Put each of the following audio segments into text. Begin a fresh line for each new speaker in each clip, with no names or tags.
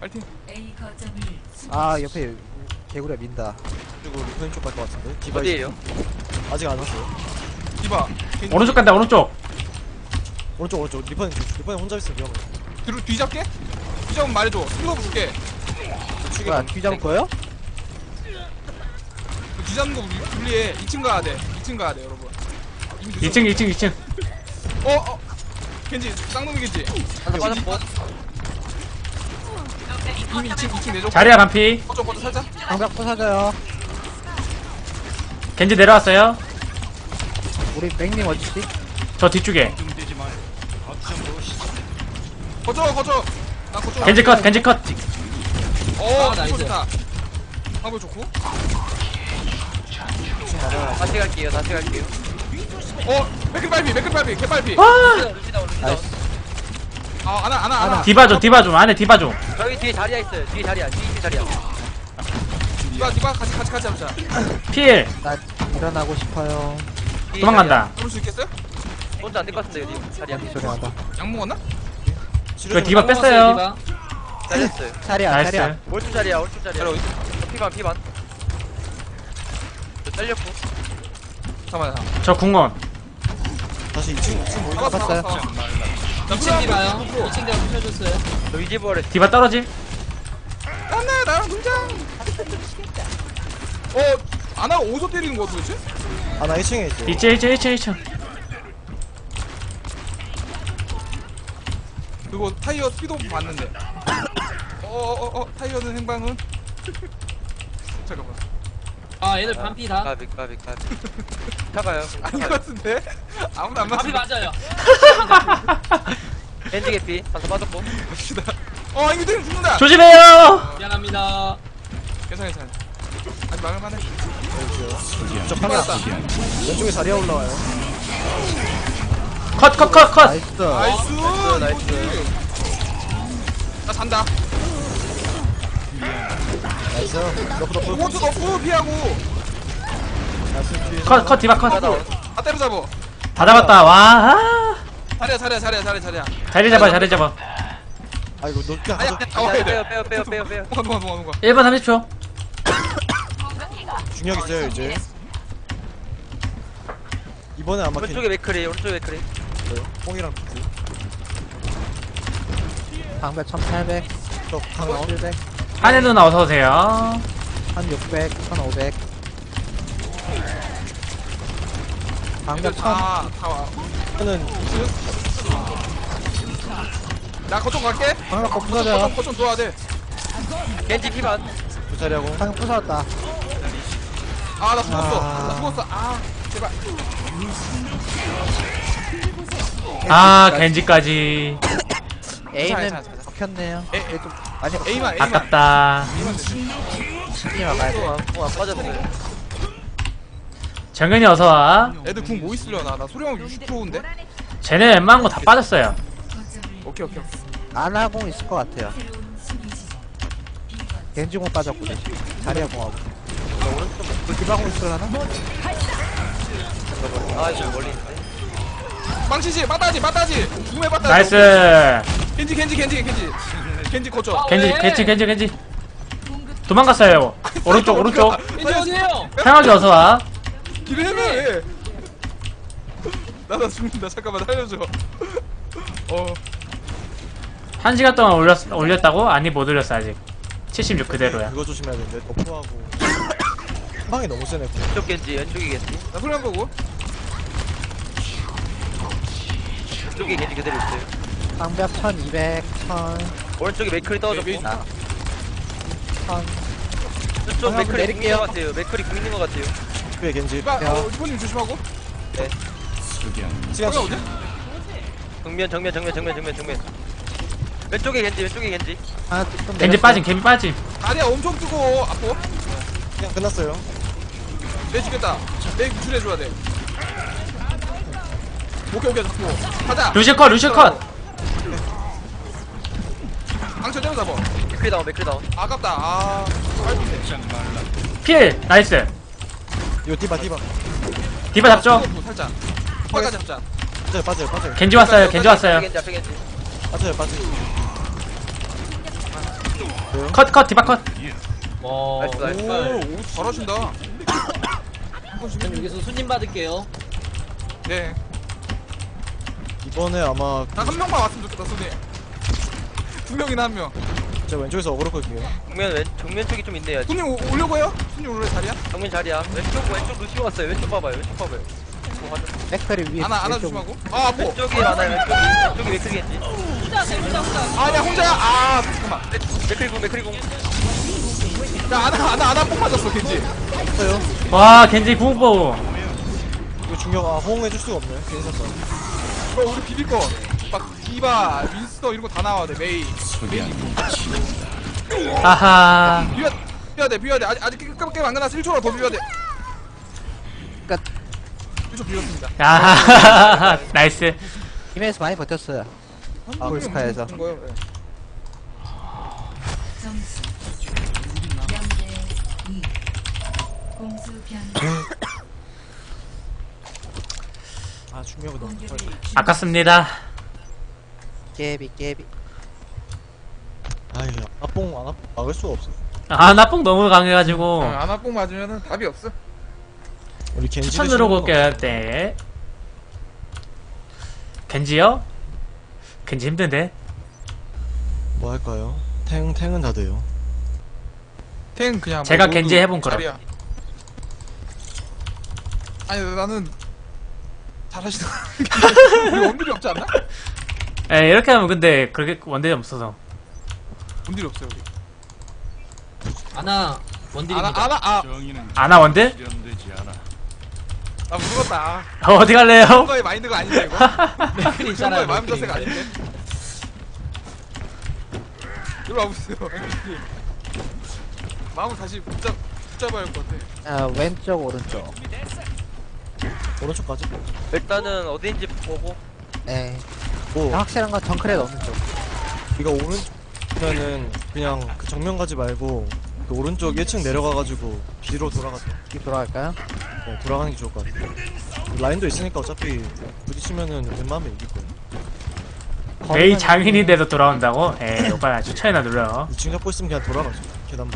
파이팅.
아 옆에 개구리가 민다.
그리고 리퍼님 쪽 갈 것 같은데. 디바
어디에요?
아직 안 왔어요.
디바.
오른쪽 간다 오른쪽.
오른쪽 리퍼님 혼자 있으면 위험해.
뒤잡게? 뒤잡으면 말해줘. 슬로우 줄게.
뭐야 뒤잡을 거예요?
뒤잡는 거 불리해. 2층 가야 돼. 2층 가야 돼 여러분. 이미 늦었어.
2층.
겐지 쌍놈이 겐지.
하나 빠졌고.
이미 2층 내줘.
자리야 반피.
거쳐 살짝.
방벽 부서져요.
겐지 내려왔어요.
우리 맥님 어디지?
저 뒤쪽에.
거쳐. 나 거쳐.
겐지 컷.
나이스. 좋다. 방법 좋고.
다시 갈게요.
맥클 빨피. 개빨피.
루시다운.
아나.
디바 좀 안에 디바 좀.
저기 뒤에 자리야 있어요. 뒤에 자리야.
디바 같이 잡자.
필.
나 일어나고 싶어요.
뒤에
도망간다.
잡을 수 있겠어요?
자리야. 혼자 안 될 것 같은데 여기 자리야.
소리하다.
약 먹었나?
이거 디바 뺐어요.
잘렸어요.
자리야.
나이스.
오른쪽 자리야.
자리 어디?
피반. 저 잘렸고.
잠깐만.
저 궁원.
다시 2층 모이고.
잡았어요.
2층 디바요.
2층 제가 부셔줬어요.
저 위지부활에
디바 떨어짐.
나랑 등장. 아나가 어디서 때리는 거야 도대체?
아나 1층에 있어.
2층.
그리고 타이어 스피드 오프 봤는데. 타이어는 행방은? 잠깐만.
아 얘들 반피 다.
가비. 타가요.
아닌 것 같은데? 아무도 안
반피
맞지?
맞아요.
겐지 개피. 한번 빠졌고.
갑시다. 이거 때리면 죽는다.
조심해요.
미안합니다.
괜찮아. 아직 막을만해.
저
맞았다.
왼쪽에 자리야 올라와요.
컷.
나이스.
나이스. 나 잔다.
나이스. 너프.
오버도 넣고 피하고.
나이스 뒤에.
컷 디바 컷.
다 때려잡어.
다 잡았다. 와.
자리야.
자리 잡아.
아이고 너 그냥
아니야,
가져.
나와야 돼.
빼요.
뭔가.
1분 30초.
중력 있어요 이제. 이번에 아마
오른쪽에 맥크리.
뽕이랑 비트.
방벽 1800.
저강 나온.
700.
한혜 누나 어서 오세요.
1600. 1500. 방벽 1000.
다 와.
저는
나 거점 갈게.
방벽 부서져요.
거점 도와야 돼.
겐지 피반.
그 자리하고.
방벽 부서졌다.
나 죽었어. 제발.
겐지까지.
A는
괜찮아.
먹혔네요.
에,
좀 많이
A만.
아깝다.
B만 가야 돼.
안 빠졌어요.
정현이 어서 와.
애들 궁 뭐 있으려나? 나 소리만 60%인데?
쟤네 웬만한 거 다 빠졌어요.
오케이.
아나공 있을 것 같아요. 겐지공 빠졌고 자리야 공하고. 그 디바공 있으려나?
저 멀리 있는데.
망치지, 빠따지. 궁에 빠따지.
나이스.
겐지 거쳐.
겐지. 도망갔어요. 오른쪽.
겐지 어디에요?
향하게 어서 와.
길을 헤매. 나 죽는다. 잠깐만 살려줘.
1시간 동안 올렸다고? 아니 못 올렸어 아직. 76 그대로야.
그거 조심해야 되는데 너프하고. 한 방이 너무 세네.
왼쪽에 겐지.
나 소리 한 보고.
왼쪽에 겐지 그대로 있어요.
방벽 1200. 1000.
오른쪽에 맥크리 떨어졌고.
네,
1000.
좀
방금
맥크리
내릴게요.
굽는 것 같아요. 맥크리 굽는 것 같아요.
뒤에 겐지.
리포님 조심하고.
시간
어디?
정면. 왼쪽에 겐지.
하나 좀
겐지 빠짐.
다리야 엄청 뜨고 아파.
그냥 끝났어요.
내 죽겠다. 내 구출해줘야 돼. 오케이 잡고. 가자.
루시 컷.
방쳐 때려잡아.
맥크리 다운.
아깝다.
필. 나이스.
이거 디바.
디바 잡죠.
살짝. 거기까지 잡자.
빠져요.
겐지 왔어요.
겐지 앞에 겐지.
빠져요.
컷 디바 컷.
와.
나이스, 나이스.
오 잘하신다.
전 여기서 손님 받을게요.
네.
이번에 아마
난 한 명만 왔으면 좋겠다 손님. 두 명이나 한 명.
제가 왼쪽에서 어그로 끌게요.
정면 쪽이 좀 있네요.
손님 오려고 해요? 손님 올래 자리야?
정면 자리야. 왼쪽 루시오 왔어요. 왼쪽 봐봐요. 왼쪽 봐봐요.
맥크리 위에.
안아
왼쪽.
조심하고. 아 아파.
왼쪽이 하나요. 왼쪽이 맥크리 겐지.
아야 혼자야. 아 잠깐만.
맥크리 공.
야 안아 뽕 맞았어 겐지.
했어요.
와 겐지 궁보.
이거 중요한 호응해줄 수가 없네. 괜히 샀다.
우리 비빌 거. 막 디바, 윈스터 이런 거 다 나와야 돼. 메이.
아하.
비벼야 돼. 아직 게임 안 끝났어. 1초라 더 비벼야 돼.
끝.
1초 비웠습니다.
아하하하. 나이스.
팀에서 많이 버텼어요. 아, 볼스카에서.
그런 거예요. 네.
점수 0대 2 공수 변경
아 중요한 거 너무
공격을
아깝습니다.
깨비.
아이 아뽕 안 막을 수가 없어.
아 나뽕 너무 강해가지고
아나뽕 맞으면은 답이 없어.
우리 겐지
추천
대신
누르고
하는
올게요. 네. 겐지요? 겐지 힘든데?
뭐 할까요? 탱은 다 돼요.
탱 그냥
제가
뭐
겐지
로드
해본 거라.
자리야. 아니 나는 잘하시더라. 우리 원딜이 없지 않나?
에 이렇게 하면 근데 그렇게 원딜이 없어서.
원딜이 없어요 우리.
아나 원딜입니다.
아나 원딜?
나 무섭다.
어디 갈래요?
선거의 마인드가 아닌데 이거.
맥크리
선거의
있잖아요.
마음
맥크리.
자세가 아닌데. 이리 와보세요. 마음을 다시 붙잡아야 할 것 같아.
왼쪽, 오른쪽.
오른쪽까지.
일단은 어디인지 보고.
네.
뭐
확실한 건 정크레 오른쪽.
이거 오른쪽면은 그냥 그 정면 가지 말고 그 오른쪽 1층 내려가가지고 뒤로 돌아갔다.
뒤 돌아갈까요?
네, 돌아가는 게 좋을 것 같아. 라인도 있으니까 어차피 부딪히면은 웬만하면 이길 거야.
메이 장인인데도 돌아온다고? 에이 오빠 추천이나 눌러.
2층 잡고 있으면 그냥 돌아가죠. 계단만.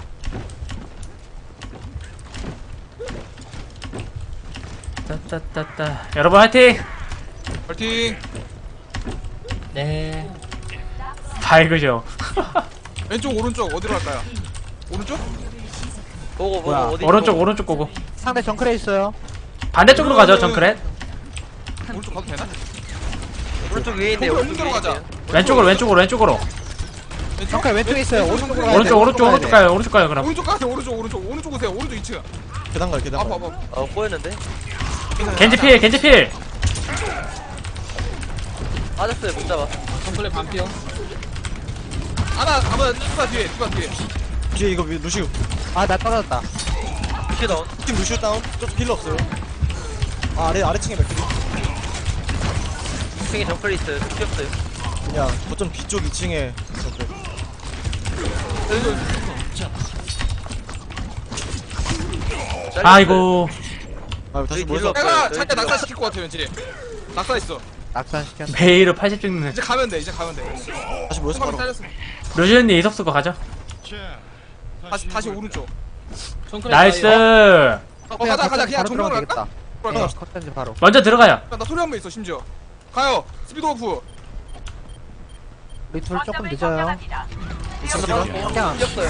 따따따따. 여러분 화이팅!
파이팅.
네.
밝으죠.
왼쪽 오른쪽 어디로 갈까요? 오른쪽?
보고
뭐야,
어디
오른쪽 고고.
상대 정크레 있어요.
반대쪽으로 가죠 정크렛.
오른쪽 가도 되나?
오른쪽 위에 있네.
거기 오른쪽으로 가자.
왼쪽으로.
정크레 왼쪽에 있어요. 오른쪽으로 가야 돼.
오른쪽 가요. 오른쪽 가요 그럼.
오른쪽 가세요. 오른쪽 오세요. 오른쪽 2층.
계단 가요. 계단
아파
가요.
아파.
꼬였는데.
겐지 필.
빠졌어요. 못 잡아.
정클레 반피요.
아나 디바 뒤에.
뒤에 이거 루시우.
나 떨어졌다.
루시오 다운.
팀 루시우 다운. 저쪽 힐러 없어요. 아래층에 맥크리.
2층에 정클이 있어요. 튀었어요.
그냥 거점 뒤쪽 2층에 저그
아이고.
다시
여기
모여서
힐러
내가
없어요.
자기가 낙사 시킬 것 같아 왠지. 낙사 있어.
낙산시켰네.
메이로 80 찍는.
이제 가면 돼.
다시 모여서
소방이
바로
잘렸어.
루시언니 이섭스 거 가죠.
다시 오른쪽.
정클레
나이스.
가요.
가자 그냥
바로
정면으로
들어가면
갈까?
되겠다. 네, 컷든지 바로.
먼저 들어가요.
나 소리 한 번 있어 심지어. 가요. 스피드 오프.
우리 둘 조금 늦어요. 그냥
튀었어요.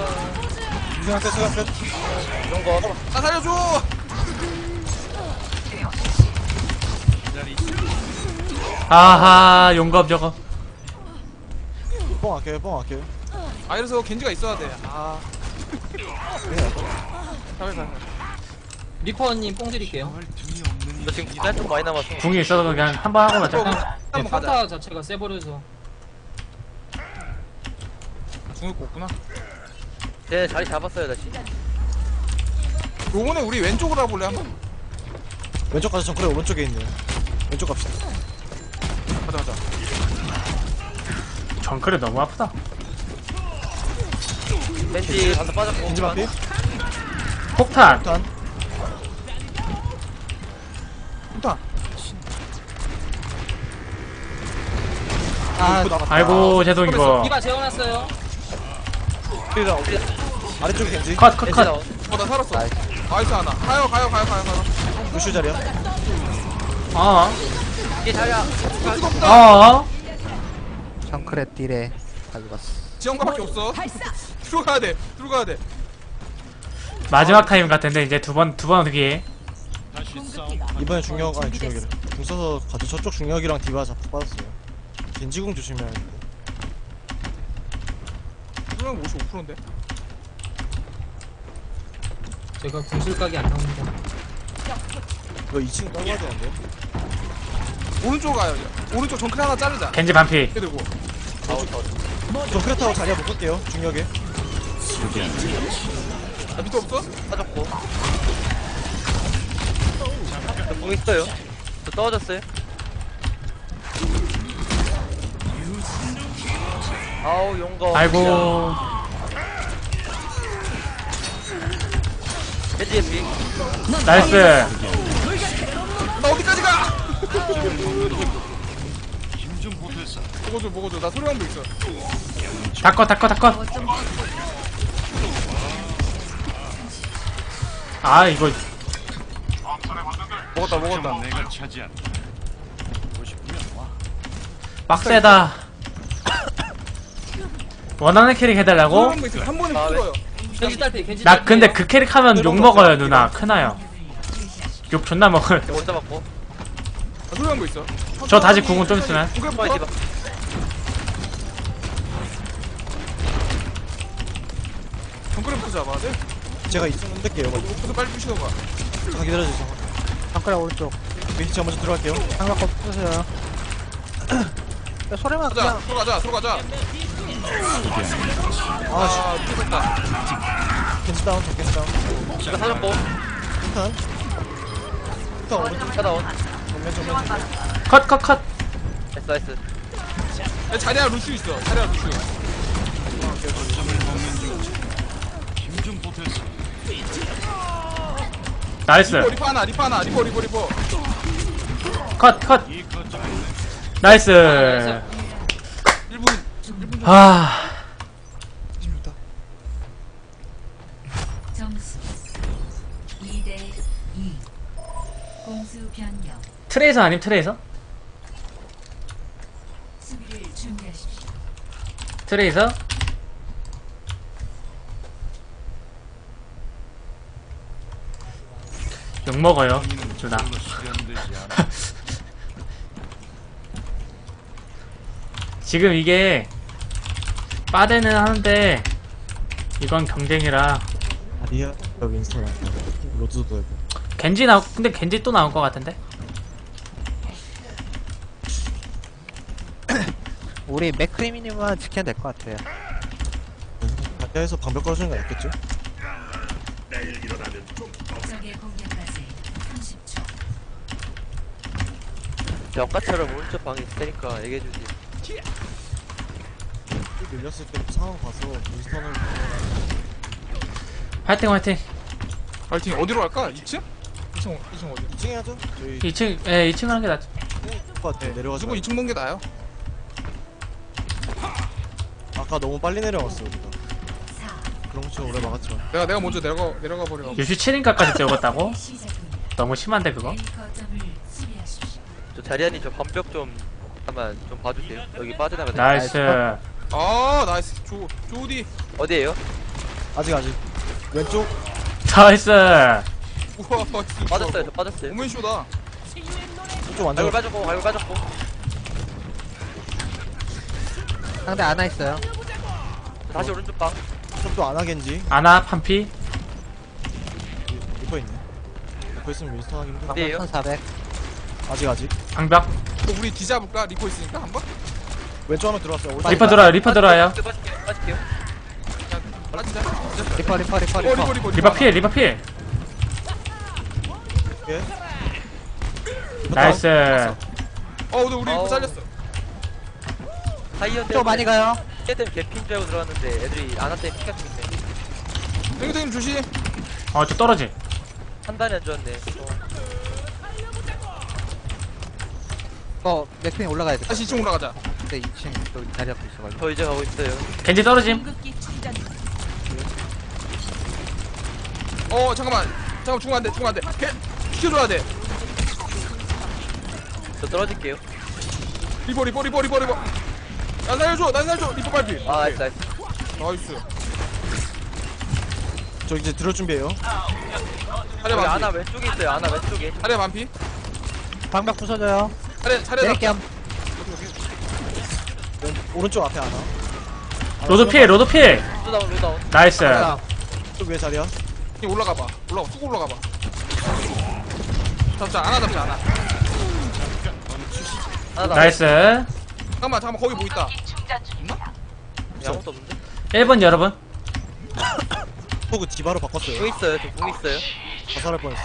수강 끝.
이런 거.
나 살려줘.
아하 용검 저거.
뽕 아껴요.
아 이래서 겐지가 있어야 돼. 아. 가면.
리퍼님 뽕 드릴게요.
저 지금 기간 좀 많이 남았어.
궁이 있어서 그냥 한 번 하고 맞자.
네,
한번 가자.
평타 자체가 세버려서.
중국 없구나.
제 자리 잡았어요 다시.
요번에 우리 왼쪽으로 가볼래 한번?
왼쪽 가서 정크레 오른쪽에 있네요. 왼쪽 갑시다.
가자.
정크렛 너무 아프다.
벤지 반도 빠졌고.
겐지 반피.
폭탄.
일단
일단.
아,
아이고 죄송 이거.
디바 재워놨어요.
우리랑 아래쪽에 겐지.
컷, 컷,
겐지
컷.
나온.
나 살았어.
나이스.
나이스 하나. 가요.
루슈 자리야.
어,
이게 자리야.
어.
정크레 딜에 가져갔어.
지원가밖에 없어. 들어가야 돼.
마지막 타임 같은데 이제 두 번 뒤에.
이번에 중력 아니 중력이래. 궁 써서 가죠. 저쪽 중력이랑 디바 자폭 받았어요. 겐지궁 조심해야 돼.
그러면 55%인데.
제가 궁술각이 안 나옵니다.
이거 2층 떨궈야 되는데.
오른쪽 가요. 오른쪽 정크 하나 자르자.
겐지 반피.
이렇게 들고.
저 크레타워 자리야 묶을게요. 중력에.
나 밑에 없어?
빠졌고. 저공 있어요. 저 떨어졌어요. 아우 용거.
아이고.
겐지 에피.
나이스.
나 어디까지 가? 먹어줘. 나 소리방도 있어.
다 컷. 아, 이거.
먹었다.
빡세다. 원하는 캐릭 해달라고?
소리방도 있어. 한 번에
아,
풀어요.
겐지 딸피, 겐지
나
딸피.
근데 그 캐릭 하면 욕 먹어요, 누나. 크나요? 욕 존나 먹어요.
못 잡았고.
나 소리방도 있어.
저 다시 궁은 좀 있으면.
궁금부터.
디바.
정크레부터 잡아야 돼.
제가 2층 흔들게요.
그래서 빨리 부시던가.
잠깐 기다려주세요.
정크레 오른쪽.
윈치 먼저 들어갈게요.
장갑 없으세요. 소리만 그냥
들어가자.
아,
미쳤다.
겐지 다운, 저 겐지 다운.
이거 사줬고.
일단 오른쪽
차다운.
정면.
컷.
나이스.
야, 자리야 루슈 있어.
나이스.
리퍼 하나. 리퍼.
컷. 나이스.
1분.
아,
점수 2대 2. 공수 변경.
트레이서 아님 트레이서?
수비를 준비하십시오.
트레이서? 욕 먹어요, 누나. 지금 이게 빠데는 하는데 이건 경쟁이라
아리아 윈스턴 로드도 되고.
근데 겐지 또 나올 것 같은데?
우리 맥크리미님만 지켜야 될 것 같아요.
아리아에서 방벽 걸어주는 거 낫겠죠?
적의 공격까지 30초.
아까처럼 오른쪽 방에 있을 테니까 얘기해주지.
밀렸을 때 상황 봐서 윈스턴을
화이팅.
파이팅. 어디로 갈까? 2층? 2층 어디?
2층 해야죠? 저희
2층 하는 게 낫지.
것 같아. 내려가지
무조건
말고.
2층 본게 나아요.
아까 너무 빨리 내려갔어 우리가. 그런 것좀 오래 막았죠.
내가 먼저 내려가 버려.
유시 7인가까지 찍었다고?
시작합니다.
너무 심한데 그거?
A 거점을 수비하십시오.
저 자리아님 저 반벽 좀 잠깐만 좀 봐주세요. 여기 빠져나가야 돼.
나이스.
아 나이스. 조디.
어디에요?
아직 왼쪽
나이스.
우와.
빠졌어요. 저 빠졌어요.
오멘쇼다.
왼쪽 완전
갈고 빠졌고.
상대 안와 있어요.
다시 오른쪽 방.
쪽도 안 하겠지.
아나 판피.
리퍼 있네. 리퍼 있으면 윈스턴 하기 힘들어.
어디에요?
1400.
아직
방벽.
우리 뒤잡을까? 리퍼 있으니까 한번?
왼쪽 하면 들어왔어요. 오른쪽
리퍼 들어와요.
빠질게요.
빠지자.
리퍼.
리퍼 필.
예.
나이스.
근데 우리 리퍼
어우.
잘렸어.
타이어
또 많이 가요.
때문에 개핀 줄 알고 들어왔는데 애들이 안 왔더니 피가 좀 있네.
땡땡님 조심.
저 떨어지.
한 단이 안 좋았네.
맥크림 올라가야 돼.
다시 2층 올라가자.
근데 2층 또 자리 앞에 있어가지고.
저 이제 가고 있어요.
겐지 떨어짐.
잠깐만 죽으면 안돼 지켜줘야 돼.
저 떨어질게요.
리버 난 살려줘 리버 발피.
나이스 나이스.
나이스.
저 이제 들어올 준비해요.
차례
여기
반피
아나 왼쪽에 있어요. 아나 왼쪽에.
차례 반피
방벽 부서져요.
차례
내릴게요.
오른쪽 앞에 하나.
로드 필
로다운.
나이스.
쪽 위에 자리야.
올라가봐 쑥 올라가봐. 잡자 하나
아나
나이스.
잠깐만 거기 뭐 있다.
아무것도 없는데?
1번 여러분.
포그 디바로 바꿨어요.
궁 있어요. 저궁 있어요.
자살할 뻔했어.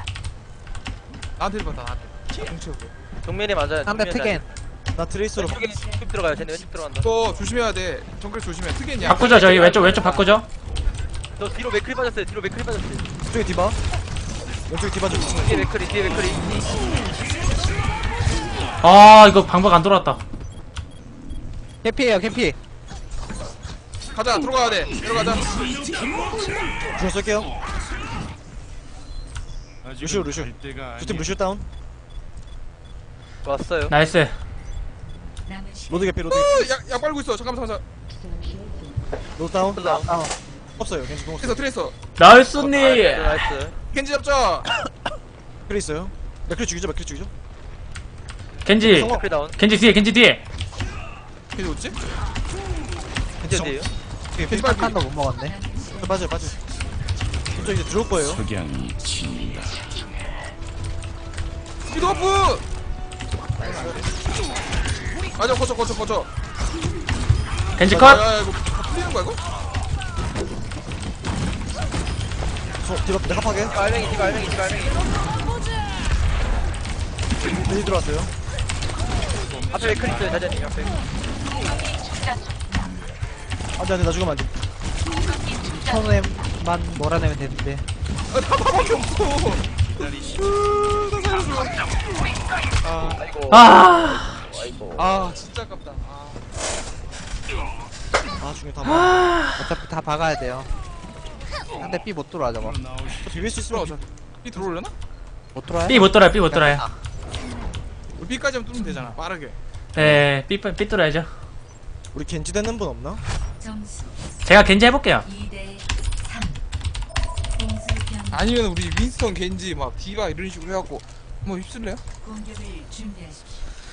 나한테 봤다 나한테. 뭉치고.
정면에 맞아요.
상대
정면에
특인.
나 트레이스로
왼쪽에 왼쪽 들어가요. 쟤네 왼쪽 들어간다.
이거 조심해야 돼. 정글 조심해. 특이했냐?
바꾸죠 저희 왼쪽 바꾸죠.
저 뒤로 맥클이 빠졌어요.
쪽에 디바. 왼쪽에 디바 좀
뒤에 맥클이.
아 이거 방법 안 돌아왔다.
캐피에요 캐피.
가자 들어가야 돼. 내려가자.
중요 쓸게요. 루시오. 두팀 루시오 다운.
왔어요.
나이스.
남은 시간
로드 개피.
약 빨고 있어. 잠깐만.
로드 다운.
로다운.
없어요. 겐지 공 없어요.
트레이서.
나이스님.
나이스.
겐지 잡자.
트레이 있어요. 맥크리 죽이죠.
겐지
맥클 다운.
겐지 뒤에
겐지 어딨지?
겐지 어디에요?
겐지
한
빨리.
칸도 못 먹었네.
빠져. 저 이제 들어올 거예요.
스피드 어프. 맞아 거쳐.
겐지 컷.
야, 이거 다 풀리는 거야 이거?
디바 내가 파게.
알맹이.
겐지 들어왔어요.
앞에 맥클 있어요. 자자님 앞에.
안돼 나 죽으면 안돼.
처음에만 몰아내면 되는데.
다 밖에 없어.
아이고.
아
진짜 아깝다.
중요 다 먹어.
어차피 다 박아야 돼요. 상대 B 못 들어와 저거.
비빌 수 있으면
들어오자. B 들어오려나?
못 들어와요?
B 못 돌아요.
우리 B까지만 뚫으면 되잖아. 빠르게.
네 B 돌아야죠.
우리 겐지 되는 분 없나?
점수
제가 겐지 해볼게요.
2대 3. 공수 변경.
아니면 우리 윈스턴, 겐지 막 디바 이런 식으로 해갖고 뭐 휩쓸래요?
공격을 준비하십시오.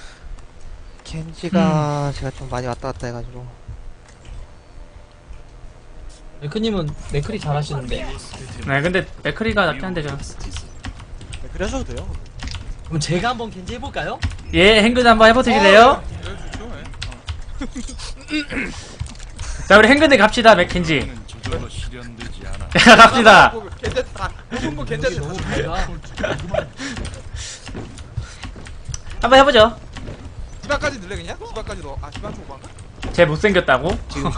겐지가 제가 좀 많이 왔다 갔다 해가지고.
맥크님은 맥크리 잘하시는데.
네 근데 맥크리가 낫긴 한데 저.
맥크리 하셔도 돼요.
그럼 제가 한번 겐지 해볼까요?
예 행근 한번 해보실래요? 자 우리 행근에 갑시다 맥켄지. 갑시다.
괜찮다. 모든 거
여기
괜찮다.
너무 밝아.
한번 해보죠.
디바까지 늘래 그냥? 디바까지 넣어. 디바 쪽 방가?
쟤 못생겼다고?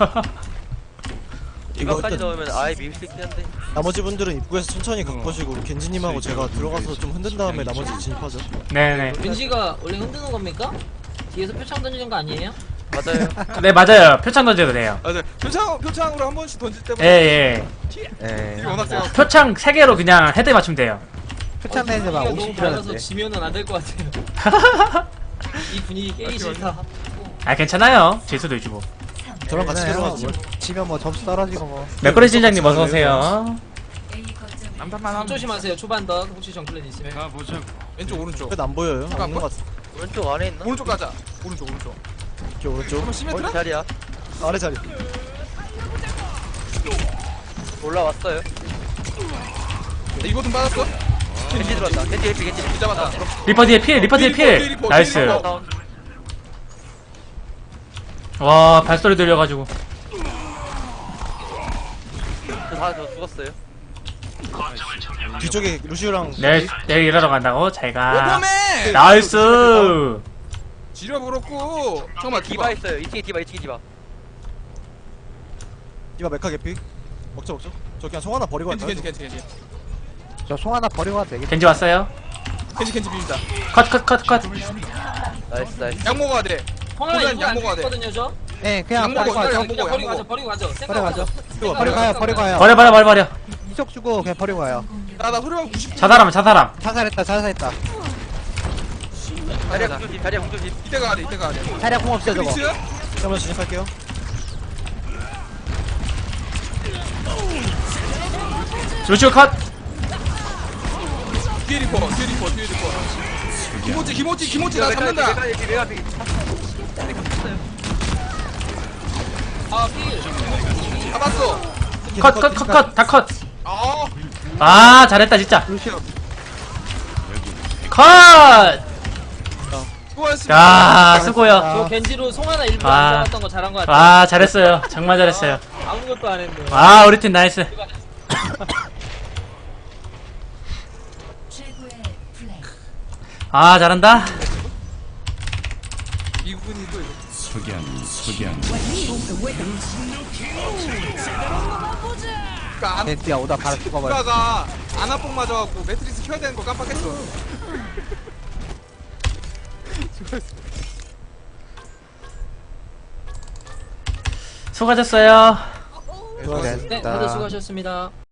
이거까지
일단
넣으면 아예 밀 수 있긴 한데.
나머지 분들은 입구에서 천천히 각보시고 우리 겐지님하고 제가 들어가서 좀 흔든 다음에 나머지 진입하죠.
네네.
겐지가 원래 흔드는 겁니까? 뒤에서 표창 던지는 거 아니에요?
맞아요.
네 맞아요. 표창 던져도 돼요.
아, 네. 표창으로 한 번씩 던질 때마다
예예.
딜이 워낙 세요.
표창 3개로 그냥 헤드 맞추면 돼요.
표창 내는 막
분위기가
50
너무 밝아서
들었는데.
지면은 안 될 것 같아요. 이 분위기 깨기 싫다.
아 괜찮아요. 질 수도 있지 뭐.
저랑 같이 들어가서 뭐
지면 뭐 점수 떨어지고 뭐.
맥거리 팀장님 어서 오세요.
A 거점을
남탄만 하면
조심하세요. 초반덧 혹시 정클렛 있으면.
왼쪽 오른쪽.
끝안 보여요.
안
없는 것 같아.
오른쪽 안에 있나?
오른쪽 가자. 오른쪽.
이렇게 오른쪽.
한번 시메트라?
어디 자리야?
아래 자리.
올라왔어요.
이거 좀 받았어?
겐지 들어왔다. 겐지 헬피.
이 잡았다.
리퍼 뒤에 필.
리퍼,
나이스.
다운.
와 발소리 들려가지고.
저 죽었어요.
뒤쪽에 루시오랑
내일 일하러 간다고? 잘가.
오퍼맨!
나이스.
지려버렸고. 잠깐만
디바 있어요. 2층에 디바.
디바 메카 개피. 먹자. 저 그냥 송 하나 버리고 갈까요?
겐지.
저 송 하나 버리고 가도 되겠다.
겐지 왔어요?
겐지 비빈다.
컷.
나이스.
약 먹어야 돼.
형아
양
이거 안
먹어야 돼.
죽거든요 저.
네, 그냥
양 먹어,
버리고 가죠.
양 먹어.
그냥 버리고 가죠.
버리고 가죠.
생각
버리고 가요.
버려.
속 주고 그냥 버리고 가요.
나 소리만 90.
자살함 자살함.
자살했다.
자리야 공조심 자리야 공조심.
이때 가야 돼, 이때 가야 돼.
자리야 공 없어 저거.
미츠?
잠깐만 진입할게요.
루시오 컷.
뒤에 리퍼. 김호찌 나 잡는다.
아 필.
잡았어.
컷. 다 컷.
아,
아 잘했다 진짜.
루시오.
컷.
수고하셨습니다.
야 수고요.
저 겐지로 송 하나 일부러
아.
안 잡았던 거 잘한 거 같아.
아 잘했어요. 정말 잘했어요.
아무것도 안 했네.
아 우리 팀 나이스.
최고의 플레이.
아 잘한다.
미군이 또 이거. 그러니까
벤트야 오다 바로 죽어버려.
아빠가 아나뽕 맞아갖고 매트리스 켜야 되는 거 깜빡했어.
수고하셨어요.
수고하셨습니다.
네, 다들 수고하셨습니다.